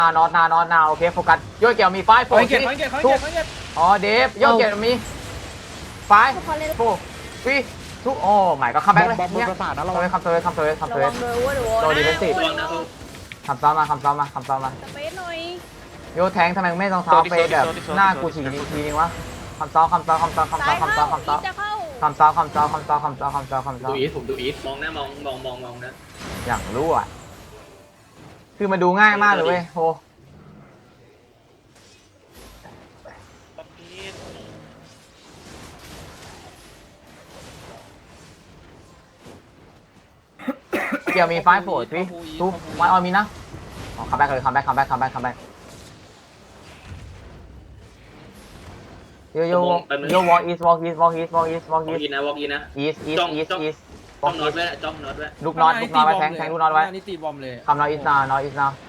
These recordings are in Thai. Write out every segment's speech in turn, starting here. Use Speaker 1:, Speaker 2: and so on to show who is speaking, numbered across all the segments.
Speaker 1: นาโอเคโฟกัสโยเกี่ยวมีไฟโฟกัสอ๋อเดฟโยเกี่ยวมีไฟโฟฟีทุกโอ้หมายก็คัมแบ็กเลยเนี่ยคัมเซอร์โดนดีเฟนซีฟคัมซ้อมมา
Speaker 2: สเปซหน่อย
Speaker 1: โยแทงทำไมไม่ต้องซ้อมไปแบบหน้ากูฉีกทีนึงวะคัมซ้อม
Speaker 2: จะเข้า
Speaker 3: ดูอีทผมดูอีทมองนะมองนะ
Speaker 1: อย่างรู้อ่ะคือมาดูง่ายมากเลยเว้ยโหเกี่ยวมีไฟโฟร์พี่ทุกวันออมีนะอ๋อคัมแบ็กเลยคัมแบ็กโยวอล์กอีสอีส
Speaker 3: นะวอล์กอีนะ
Speaker 1: จ้อง
Speaker 3: น็อตไว้จ้องน็อตไว้
Speaker 1: ลูกน็อตไว้แทงลูกน็อตไว้
Speaker 4: นี่ตีบอมเลย
Speaker 1: คำน็อตอีสนาน็อต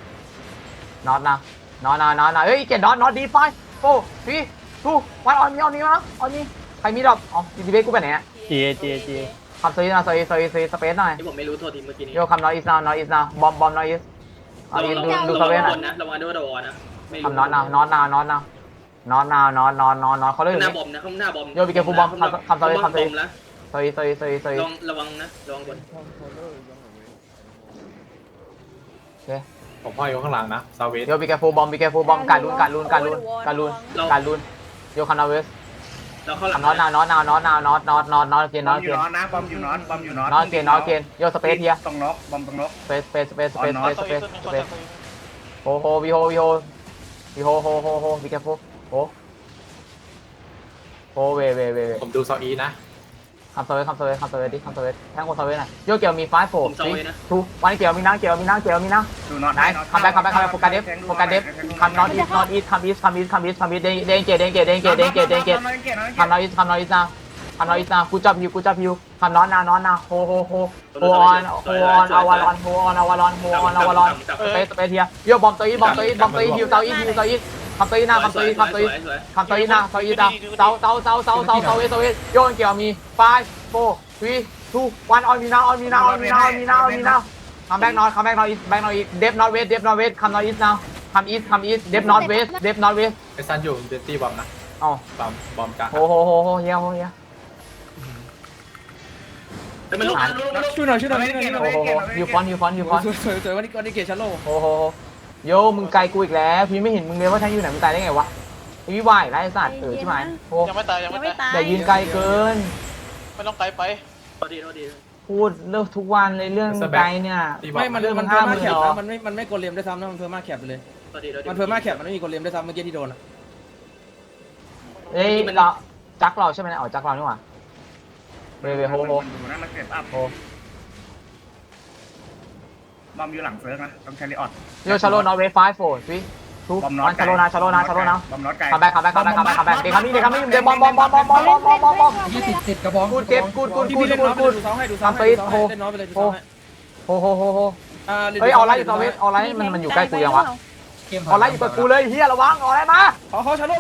Speaker 1: เฮ้ยเกตน็อตดีไฟโฟร์พี่ทุกวันออนนี้ใครมีดอกอ๋อดีเบสกูไปไหนอ่ะจีคำโซสเปซหน่อย
Speaker 3: ที่ผมไม่รู้โทษทีเมื่อกี้นี้
Speaker 1: โยคำน็อตอีสนาบอมน็อตอีสดูสเปซหน่อย
Speaker 3: ระวังด้วยนะ
Speaker 1: คำน็อตนาวเขาเล่น
Speaker 3: หน้าบอมนะข้างหน้าบอม
Speaker 1: โยบิเกฟูบอมคำโซ
Speaker 3: นะระวังบน
Speaker 1: โอเค
Speaker 5: ผมพ่ออยู่ข้างหลังนะซาเวส
Speaker 1: โยบิเกฟูบอมการลุนโยคำน็อตเวส
Speaker 3: เราเข้าหลัง
Speaker 1: น็อตนาวเกน
Speaker 6: บอมอยู่น็อตนะบอมอยู่น็อต
Speaker 1: น็อตเกนโยสเปซเฮีย
Speaker 6: ตรงน็อกบอมตรงน็อก
Speaker 1: สเปซโฮวีโฮบิเกฟูโฮเว
Speaker 5: ผมดูซาอีนะ
Speaker 1: คำโซเวสแทงคนโซเวสหน่อยโยเกี่ยวมีไฟโฟร์ทูวันเกี่ยวมีนะ
Speaker 6: ดูน็อต
Speaker 1: ไหนคัมแบ็กโฟกัสเดฟคัมน็อตอีสคัมอีสเดนเกตคัมน็อตอีสนากูจับฮิวคัมน็อตนาโฮออนอวารอนสเปซเฮียโยบอมตัวอีฮิวเตาอีคำตัวอีหน้าเตาเตาโยนเกี่ยวมี5 4 3 2 1ออนมีนาคัมแบ็กน็อตอีเดฟน็อตเวสคัมน็อตอีสนาคัมอีสเดฟน็อตเวส
Speaker 5: ไอซันอยู่เดตี้บอมนะ
Speaker 1: อ๋อบ
Speaker 5: อมกลาง
Speaker 1: โหเฮีย
Speaker 3: แต่มันลุก
Speaker 4: ช่วยหน่อย
Speaker 1: ฮิวฟอน
Speaker 4: สวยวันนี้เกชาโล
Speaker 1: โโยมึงไกลกูอีกแล้วพี่ไม่เห็นมึงเลยว่าแทงอยู่ไหนมึงตายได้ไงวะพี่วายไรสัตว์ใช่ไหม
Speaker 2: ยังไม่ตาย
Speaker 1: แต่ยืนไกลเกิน
Speaker 2: ไม่ต้องไกลไป
Speaker 3: พอดี
Speaker 1: พูดเรื่องทุกวันเลยเรื่องไกลเนี่ย
Speaker 4: ไม่มันเพิ่มมากแคปนะมันไม่กดเลมได้ซ้ำนะมันเพิ่มมากแคปเลยมันเพิ่มมากแคปมันไม่มีกดเลมได้ซ้ำเมื่อกี้ที่โดนอ่ะ
Speaker 1: เฮ้ยเราจักเราใช่ไหมอ๋อจักเรานี่หว่าเวโฮ
Speaker 6: ดูนะมันเก็บอัพบอมอยู่หลังเซิร์ฟนะต้องแคริออด
Speaker 1: โยชาโลนอเวฟ5 4 3 2 1ชาโลนา
Speaker 6: บอมน็อตไกล
Speaker 1: คัมแบ็กเด็กคัมมิ่งเดบอม
Speaker 4: ติดกระบอง
Speaker 1: กูเก็บกู
Speaker 4: ดูซ้อมให้โฮ
Speaker 1: เฮ้ยเอาไรอยู่ตัวเวทเอาไรมันอยู่ใกล้กูยังวะเอาไรอยู่กับกูเลยเฮียระวังเอาไรมา
Speaker 4: เขาชาโล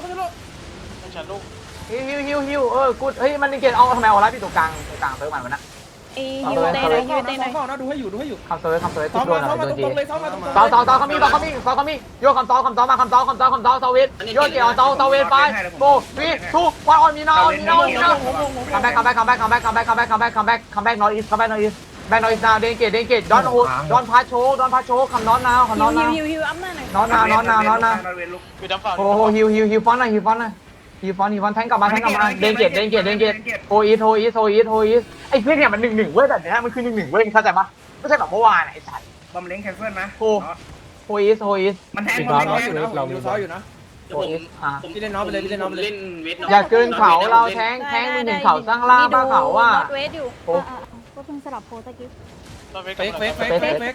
Speaker 1: ฮิวกูเฮ้ยมันนี่เกตเอาทำไมเอาไรพี่ตัวกลางเซิร์ฟมันวะนะ
Speaker 2: ฮิวเต้นะ
Speaker 4: ดูให้อยู่
Speaker 1: คำเซิร์ฟทุกโดนโดนจี
Speaker 4: ซ้อม
Speaker 1: เขามีโยคำซ้อมาเซาเวทโยเกี่ยวเซาเวทไปโบวีทูวันออนมีนาคัมแบ็กนอตอีสแบ็กนอตอีสนาเดนเกตดอนพาโชคำน็อตนา
Speaker 2: ฮิวอัพหน้าหน่อย
Speaker 1: น็อตนาโอ้โหฮิวฟอนหน่อยฮิวฟอนแทงกลับมาเดนเกตโฮอีสไอ้เพื่อนเนี่ยมัน1-1เว้ยแบบเนี้ยมันคือ1-1เว้ยเข้าใจปะไม่ใช่แบบเมื่อวานไอ้สัตว์
Speaker 6: บอมเล้งแคนเซิลนะ
Speaker 1: โฮอีส
Speaker 6: มันแทง
Speaker 4: เราดูซ้ออยู่นะพี่เล่นน้องไปเลย
Speaker 3: เล่นเวท
Speaker 1: อย่าเกินเขาเราแทงมึงถึงเขาสร้างล่าบ้าเขาว่า
Speaker 2: เวทอยู่
Speaker 7: ก็เพิ่งสลับโพสกี้
Speaker 4: เฟก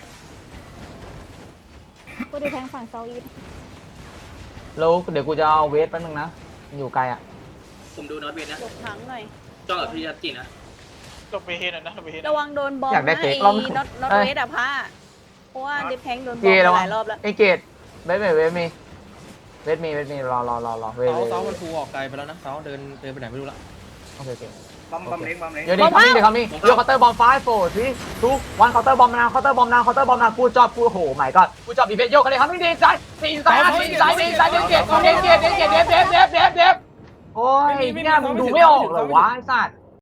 Speaker 7: ก็ดูแทงฝั่งเซาอีท
Speaker 1: แล้วเดี๋ยวกูจะเอาเวทแป๊บนึงนะอยู่ไกลอ่ะ
Speaker 3: ผมดูน็อตเวทนะ
Speaker 2: หลบถังหน่อย
Speaker 3: จ้องกับพี่ยักษ์จีนะ
Speaker 2: ต้องไปเฮนนะระวังโดนบอลนะไอ้น็อตเวทอะพะเพราะว่าดิฟแทงโดนบอลหลายรอบแล้ว
Speaker 1: ไอ้เกตเวทมีรอเวท
Speaker 4: เสามันฟูออกไกลไปแล้วนะเสาเดินไปไหนไม่รู้ละ
Speaker 1: โอเค
Speaker 6: บอมเล็กบอมเล็ก
Speaker 1: เดี๋ยวเดี๋ยวคัมมิ่งเดี๋ยวเคาน์เตอร์บอม5 4 3 2 1เคาน์เตอร์บอมนะเคาน์เตอร์บอมนะกูจอบกูโหใหม่ก็กูจอบอีเวนต์โยกเลยคัมมิ่งดีใจตีสายเดฟโอ้ยเนี่ยมึงดูไม่ออกเหรอวะไอ้สัตว์